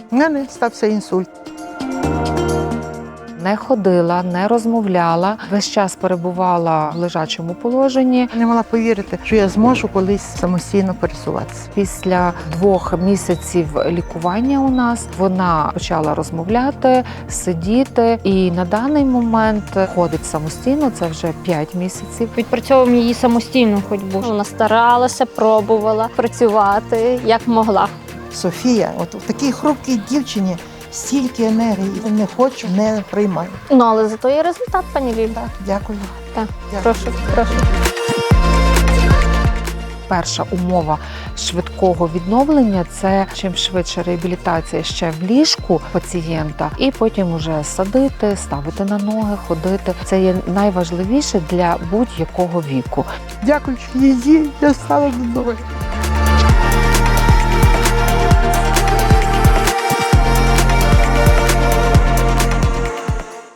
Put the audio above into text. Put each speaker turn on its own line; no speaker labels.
У мене стався інсульт.
Не ходила, не розмовляла, весь час перебувала в лежачому положенні.
Не могла повірити, що я зможу колись самостійно пересуватися.
Після 2 місяців лікування у нас вона почала розмовляти, сидіти і на даний момент ходить самостійно, це вже 5 місяців.
Відпрацьовуємо її самостійну ходьбу. Вона старалася, пробувала працювати як могла.
Софія, от в такій хрупкій дівчині стільки енергії. Не хочу, не приймаю.
Ну, але зато є результат, пані Лілі.
Дякую.
Так,
Дякую.
прошу.
Перша умова швидкого відновлення – це чим швидше реабілітація ще в ліжку пацієнта, і потім уже садити, ставити на ноги, ходити. Це є найважливіше для будь-якого віку.
Дякую, що її я стала додому.